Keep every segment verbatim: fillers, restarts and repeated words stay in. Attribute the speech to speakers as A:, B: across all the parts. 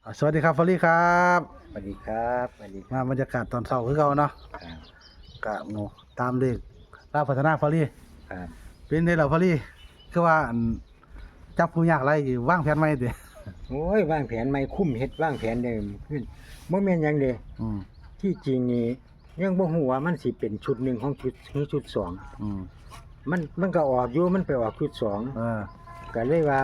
A: อ่าสวัสดีครับฟอรี่ครับ
B: สวัสดีครับสวัสดีค
A: มา
B: รับบ
A: รรยากาศตอนเช้าคือเก่าเนาะ
B: ครับ
A: กะหมูตามเลขลาวพัฒนาฟอรี่
B: ครับ
A: เป็นได้แล้วฟอรี่คือว่าอันจับผู้ยากไรอยู่วางแผนไว้ติ
B: โอ้ยวางแผนไม่คุ้มเฮ็ดวางแผนเดิมขึ้นบ่แม่นหยังเด้
A: อืม
B: ที่จริงนี่ยังบ่ฮู้ว่ามันสิเป็นชุดหนึ่งของชุดหรือชุดสอง
A: อืม
B: มันมันก็ออกอยู่มันไปออกชุดสอง
A: เออ
B: ก็เลยว่า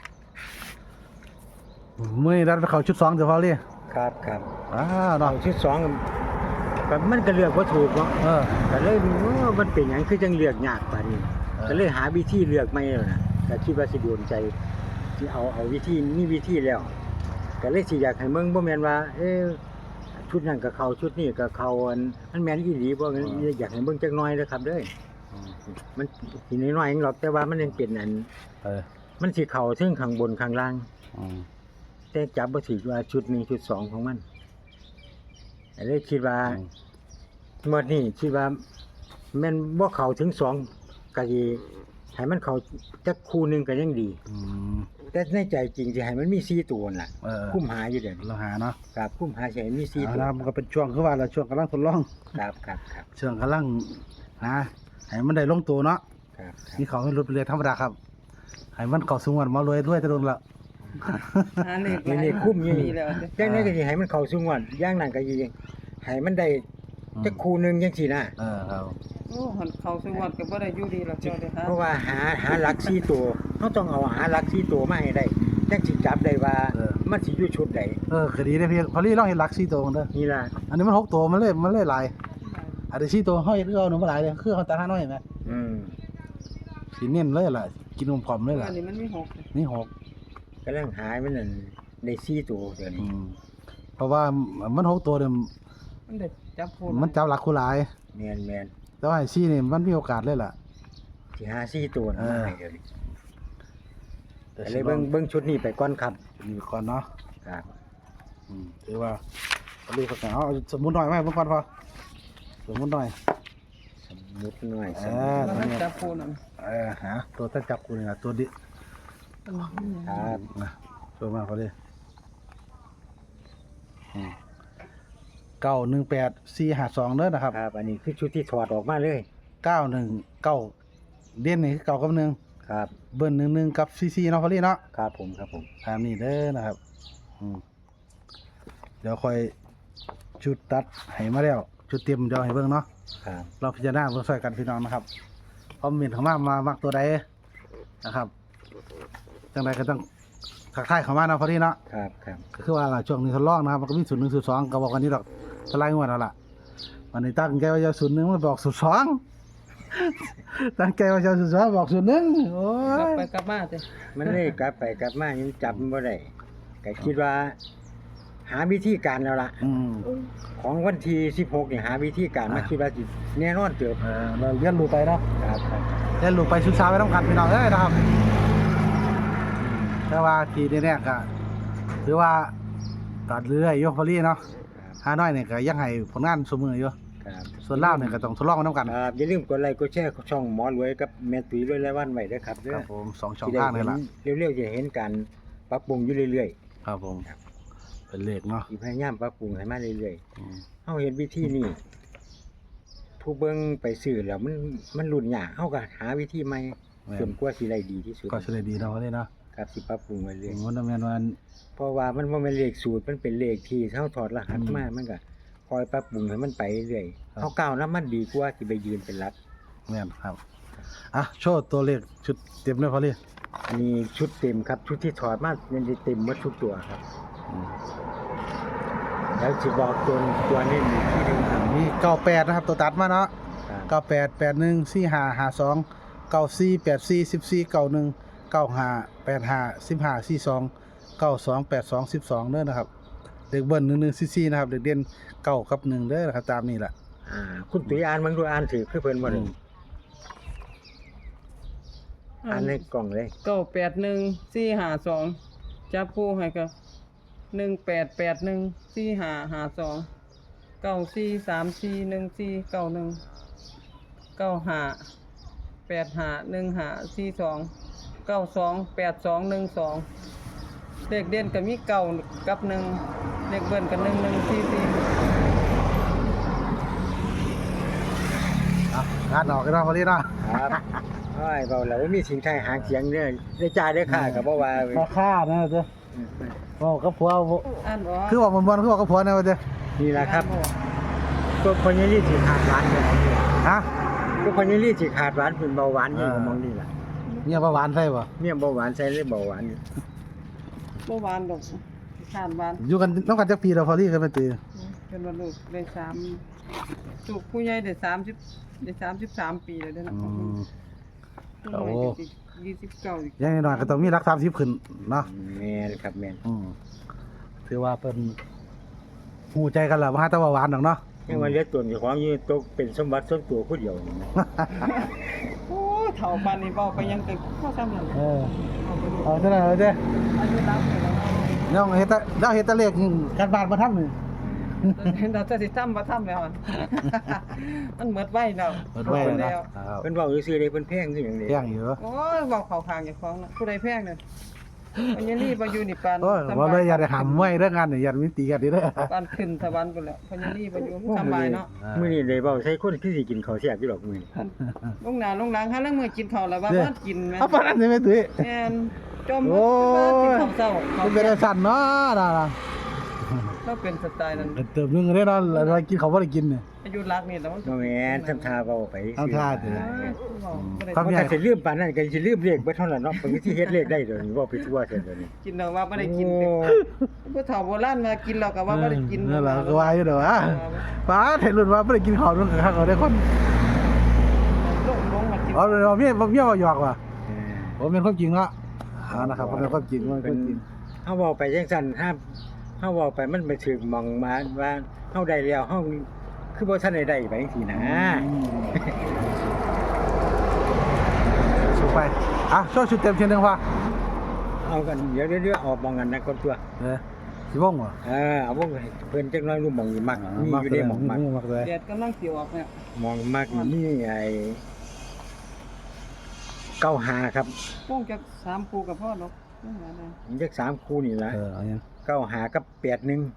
A: มื้อนี้รัดไปเข้าชุดสองเด้อฟอรี่
B: ครับครับ
A: อ้าวเนาะ
B: เอาชุดสองก็มันก็เลือกบ่ถูกเนาะ
A: เออ
B: ก็เลยโอ้มันเป็นหยังคือจังเลือกยากปานนี้
A: เออ
B: ก็เลยหาวิธีเลือกใหม่แล้วนะก็คิดว่าสิโดนใจสิเอาเอาวิธีมีวิธีแล้ว ก็เลยสิอยากให้เมืองบ่แม่นว่า เอ๊ะชุดนั้นก็เข้าชุดนี้ก็เข้าอันมันแม่นอีหลีบ่งั้นอยากให้เบิ่งจักหน่อยเด้อครับเด้อ
A: อืม
B: มันสิน้อยๆเองหรอกแต่ว่ามันยังเป็นอัน
A: เออ
B: มันสิเข้าถึงข้างบนข้างล่าง
A: อืม
B: แต่จับบ่ถูกว่าชุดหนึ่งชุดสองของมันก็เลยคิดว่า
A: อืม
B: งวดนี้คิดว่าแม่นบ่เข้าถึงสองก็สิให้มันเข้าจักคู่หนึงก็ยังดี
A: อืม
B: แต่ในใจจริงสิให้มันมีสี่ตัวนั่นล่ะ
A: เออ
B: คุ้มหาอยู่เดี๋ยวนี้
A: เราหาเนาะ
B: ครับคุ้มหาสิให้มีสี่
A: เอา
B: ตัว
A: ละมันก็เป็นช่วงคือว่าเราช่วงกำลังทดลอง
B: ครับครับครับ
A: ช่วงกำลังหาให้มันได้ลงตัวเนาะ
B: ครับครับ
A: นี่เขาให้ลดไปเลยธรรมดาครับให้มันเข้าสูงวันมารวยด้วยจะโดนละ
C: หาเลข
B: นี่นี่คุ้มอยู่
C: มี
B: นี่
C: แล้ว
B: จังได๋ก็สิให้มันเข้าสู่งวดอย่างนั้นก็สิให้มันได้จักคู่หนึงจังซี่นะ
A: เออครับ
C: โอ้หันเข้าสวัสดิ์ก็บ่ได้อยู่ดีแล้วเจ้าเด้อฮะ
B: เพราะว่าหาหาหลักสี่ตัวเฮาต้องเอาหาหลักสี่ตัวมาให้ได้จังสิจับได้ว่ามันสิอยู่ชุดใด
A: เออคดีได้เพียงพอลี่ลองเห็นลักซี่ตัวมันเด้อ
B: นี่ล่ะ
A: อันนี้มันหกตัวมันเลยมันเลยหลายอันนี้ซี่ตัวเฮาเฮ็ดคือเอาหนูมาหลายเลยคือเขาตาห้าน้อยเห็นไหม
B: อืม
A: สิเน้นเลยล่ะกินนมผอมเลยล่ะ
C: อันนี้มันมีหก
A: นี่หก
B: กำลังหามันนั่นได้สี่ตัวเดี๋ยว
A: อื
B: นี้
A: มเพราะว่ามันหกตัวเนี่ย
C: มันได้จับผู้
A: มันจับหลักคู่หลาย
B: แม่นแม่น
A: แต่ว่าไอ้ซี่นี่มันมีโอกาสเลยล่ะ
B: สิหาสี่ตัวนะ
A: เออ
B: มาให้เดี๋ยวนี้ก็เลยเบิ่งเบิ่งชุดนี้ไปก่อนครับ
A: มีก่อนเนาะ
B: ครับ
A: อืมถือว่าพอลี่เขาเอาสมุนหน่อยไหมเพิ่นก่อนพอสมุนหน่อย
B: สมมุติหน่อยส
A: เอ
B: มมุติ
A: อ
C: มันจับผู้นั่น
A: เออหาตัวตั้งจับกูนี่ล่ะตัวดิ
B: ครับ
A: นะตัวมาพอลี่อืมเก้าหนึ่งแปดสี่ห้าสองเด้อนะครับ
B: ครับ อันนี้คือชุดที่ถอดออกมาเลย
A: เก้าหนึ่งเก้าเด่นนี่คือเก้ากับหนึ่ง
B: ครับ
A: เบิ้ลหนึ่งหนึ่งกับซีซีเนาะพอลี่เนาะ
B: ครับผมครับผม
A: ตามนี้เด้อนะครับอืมเดี๋ยวค่อยชุดตัดให้มาแล้วชุดเตรียมเดี๋ยวให้เบิ่งเนาะ
B: ครับ
A: เราพิจารณาเบิ่งช่วยกันพี่น้องนะครับคอมเมนต์เข้ามามามักตัวใดนะครับจังใดก็ต้องทักทายเข้ามาเนาะพอลี่เนาะ
B: ครับครับ
A: ก็คือว่าล่ะช่วงนี้ทดลองนะครับมันก็มีศูนย์หนึ่งศูนย์สองก็บอกกันนี่ดอกทลายงวดแล้วล่ะวันนี้ตั้งใจว่าจะศูนย์หนึ่งมันบอกศูนย์สอง ตั้งใจว่าจะศูนย์สองบอกศูนย์หนึ่งโอ้
C: กลับ
A: ย
C: ไปกลับมาเด้
B: มันเลยกลับไปกลับมายังจับมันบ่ได้ก็คิดว่า หาวิธีการแล้วล่ะ
A: อืม
B: ของวันที่สิบหกนี่หาวิธีการมา
A: อ่า
B: คิดว่าสิแน่นอนเติบ
A: เออเราเรียนรู้ไปเนาะ
B: ครับครับ
A: เรียนรู้ไปศึกษาไปต้องกันพี่น้องเอ้ยนะครับแต่ว่าทีนี้เนี่ยก็ถือว่าตัดเรื่อยๆอยกพอลี่เนาะฮาน้อยเนี่ยก็ยังให้ผลงานสมืออยู่
B: ครับ
A: ส่วนลาวเนี่ยก็ต้องทดลองไปน้ำกัน
B: ครับอย่าลืมกดไลค์กดแชร์ช่องหมอรวยกับแม่ตุ้ยรวยรายวันไว้เด้อครับเด้
A: ค
B: อ
A: รับผมสองช่อง
B: สิได้
A: ทางนี่แหละ
B: เห็นเร็วๆจะเห็นการปรับปรุงอยู่เรื่อย
A: ครับผมเป็นเลขเนาะ
B: ๆสิพยายามปรับปรุงให้มาเรื่อย
A: อืม
B: ๆเฮาเห็นวิธีนี้ผู้เบิ่งไปซื้อแล้วมันมันรุ่นยากเฮาก็หาวิธีใหม่
A: แม่
B: จน
A: น
B: กว่าสิได้ดีที่สุด
A: ก็เฉลยดีเนาะพอลี่เนาะ
B: ครับสิปรับปรุงไว้เรื่อย
A: มันแม่นว่า
B: เพราะว่ามันบ่แม่นเลขสูตรมันเป็นเลขที่เฮาถอดรหัส
A: อืม
B: มามันก็คอยปรับปรุงให้มันไปเรื่อย
A: ครับ
B: เฮาก้าวนํมันดีกว่าสิไปยืนเป็นหลัก
A: แม่นครับอ่ะโชว์ตัวเลขชุดเต็มเลยพอลี่
B: อันนี้ชุดเต็มครับชุดที่ถอดมามันได้เต็มหมดทุกตัวครับ
A: อืม
B: แล้วสิบอกตัวตัวนี้มีที่หนึงครับ
A: มีเก้าแปดนะครับตัวตัดมาเนาะ
B: ครับ
A: เก้าแปดแปดหนึ่งสี่ห้าห้าสองเก้าสี่แปดสี่สิบสี่เก้าหนึ่งเก้าห้าแปดห้าสิบห้าสี่สองเก้าสองแปดสองสิบสองเด้อนะครับเด็กเบิ้ลหนึ่งหนึ่งสี่สี่นะครับเด็กเด่นเก้ากับหนึ่งเด้อนะครับตามนี้แหละ
B: อ่าคุณตุ้ยอ่านมันดูอ่านถือคือเพิ่นบ่ได้อ่านในกล่องเลย
C: เก้าแปดหนึ่งสี่ห้าสองจับผู้ให้ก็หนึ่งแปดแปดหนึ่งสี่ห้าห้าสองเก้าสี่สามสี่หนึ่งสี่เก้าหนึ่งเก้าห้าแปดห้าหนึ่งห้าสี่สองเก้าสองแปดสองหนึ่งสองเลขเด่นก็มีเก้ากับหนึ่งเลขเบิ้ลก็หนึ่งหนึ่งสี่สี่
A: อ่ะงานออกกันเนาะพอดีเนาะ
B: ครับโอ้ยเบาแล้วมีสิ่งไทยหางเสียงเด้อได้จ่ายได้ค่าก็บ่ว่าเว้ย
A: ราคานะเจ้บอกกับผัวบ่
C: อ่านบ่
A: คือว่ามันบ่คือว่ากับผัวนะว่าเจ้
B: นี่ล่ะครับพวกคนยี่ลี่สิขาดหวานเนี่ย
A: ฮะ
B: พวกคนยี่ลี่สิขาดหวานเป็นเบาหวานนี่ก็มองนี่ล่ะ
A: เนี่ยบ่หวานใส่บ่
B: เนี่ยเบาหวานใส่เลยเบาหวาน
C: บ่หวานดอกทานหวาน
A: อยู่กันน้องกันจักปีแล้วพอดีกันไปตี
C: เป็นว่าลูกได้สามลูกผู้ใหญ่ได้สามสิบได้สามสิบสามปีแล้วเด้อนะ
A: อืม
C: ผู้น้อยก็สิยี่สิบเก้าอีก
A: อยังน้อยๆก็ต้องมีรักสามสิบขึ้นเนาะ
B: แม่นครับแม่น
A: อืมถือว่าเป็นหูใจกันแหละว่าแต่ว่าหวานดอกเนาะ
B: ยังว่าเหลือตัวเจ้าของอยู่ตกเป็นสมบัติส่วนตัวผู้เดียวนี่นะ
C: โอ้ยเฒ่าปานนี้เว้าไปยังก็เข้าซ้ำนั่น
A: เออ
C: เอาไปดู
A: เอาเท่านั้นเลยเด้
C: อายุรับไปแล้ว
A: น้องเฮ็ดแต่เราเฮ็ดแต่เลขการบ้านมาทำนี่
C: เราจะสิทำบ่ทำแล้วอะมันหมดไว้แล้ว
A: เปิดไว้แล้วนะครับ
B: เพิ่นเว้าซื่อๆเลยเพิ่นแพงคือหยังนี่
A: เที่ยงอยู่
C: โอ้ยเว้าเข้าข้างเจ้าของน่ะผู้ใดแพงเนี่ยอันนี้นี่บ่อยู่นี่ปาน
A: โอ้ยว่าเลยอย่าได้หำไว้เรื่องงานนี่อย่ามีตีกันดิเด้อ
C: ปานขึ้นสวรรค์พุ่นแหล้วพญานี่บ่อยู่สำบายเนาะ
B: มื้อนี้ได้เว้าใส่คนที่สิกินข้าวแซ่บอยู่ดอกมื้อนี้
C: ลงหน้าลงหลังหาเรื่องมื้อกินข้าวแล้วว่าบ่กินแม่
A: เอาปานนั้นได้ไหมตุ้ย
C: แม่นจม
A: โอ้ย
C: กินข้าวเช้าข้าว
A: มันเป็นได้สั่นเนาะน่ะ
C: เราเป็นสไตล์นั้น
A: เติมนึงได้เนาะแล้วกินเขาบ่ได้กินเนี่ย
C: อายุรักนี่แต่มัน
B: บ่แม่นทำท่าเว้าไป
A: ทำท่าเด้อ
B: เขาก็สิลืมปานนั้นก็สิลืมเลขเบิดเท่านั้นเนาะเพิ่นสิเฮ็ดเลขได้เดี๋ยวนี้เว้าไปทั่วเสียเดี๋ยวนี้
C: กินแล้วว่าบ่ได้กิน
B: โอ้
C: ผู้เฒ่าโบราณมากินแล้วก็ว่าบ่ได้กิน
A: นั่นแหละก็ว่าอยู่เด้อว่าป้าเห็นรุ่นว่าบ่ได้กินข้าวรุ่นข้างเขาได้คน
C: ลงลงมากิน
A: เอาเลยว่าเมียบ่เมียบ่หยอกว่ะ
B: เออ
A: ผมเป็นความจริงเนาะเอานะครับผมเป็นความจริงมันเป็นความจริง
B: เฮาเว้าไปจังซั่นถ้าเฮาเว้าไปมันไปถึงหมองมาว่าเฮาได้แล้วเฮาคือบ่ทันได้ได้ไปจังซี่นะ
A: สู้ไปอ่ะโชว์ชุดเต็มเทียนหนึงว่ะ
B: เอากันเดี๋ยวเดี๋ยวๆออกมองกันนะคนตัว
A: เด้อสิวงบ่
B: เออเอาพวกเพิ่นจักหน้อยรู้หมองอยู่มักมีอยู่ได้หมองมัก
A: มักเลย
C: แดดกำลังสิออกเนี่ย
B: หมองมักนี่ไอ้เก้าหาครับ
C: พวกจักสามปูกับพ่อเนาะนั่นแหละนะ
B: มันจักสามคู่นี่ล่ะ
A: เออเอายัง
B: เก้าหากับแปดหนึ่ง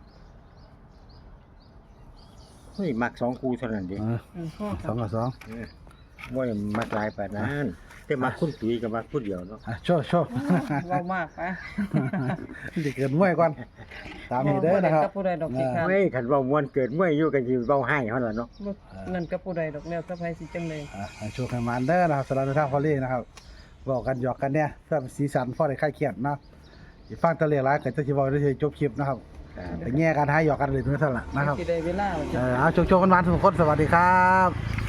B: เฮ้ยมักสองคู่เท่านั้นดิ
A: เออ
C: เออพ่อ
A: สองกับสอง
B: เออบ่ได้มักหลายปานนั้นแต่มักคุณตุ้ยกับมักผู้เดียวเนาะ
A: อ่ะโชว์โชว์
C: เว้ามากไป
A: สิเกินมวยก่อนตามนี้เด้อนะครับ
C: กับผู้ใดดอกสิค่ะ
B: เฮ้ยคันเว้าม่วนเกิดมวยอยู่กันสิเว้าให้เฮาล่ะเนาะ
C: นั่นกับผู้ใดดอกแนวสะพายสิจังเลย
A: อ่ะให้โชว์ให้มันเด้อนะครับสำหรับในทางพอลี่นะครับบอกกันหยอกกันเนี่ยเพื่อเป็นสีสันพอได้คลายเครียดเนาะสิฟังตะเลียหลายก็จะสิเว้าได้สิจบคลิปนะครับ
B: ครับ
A: แต่แง่การหาหยอกกันเลยทุกท่านล่ะนะครับ
C: สิได้เวลา
A: เออเอาโชคๆกันมาทุกคนสวัสดีครับ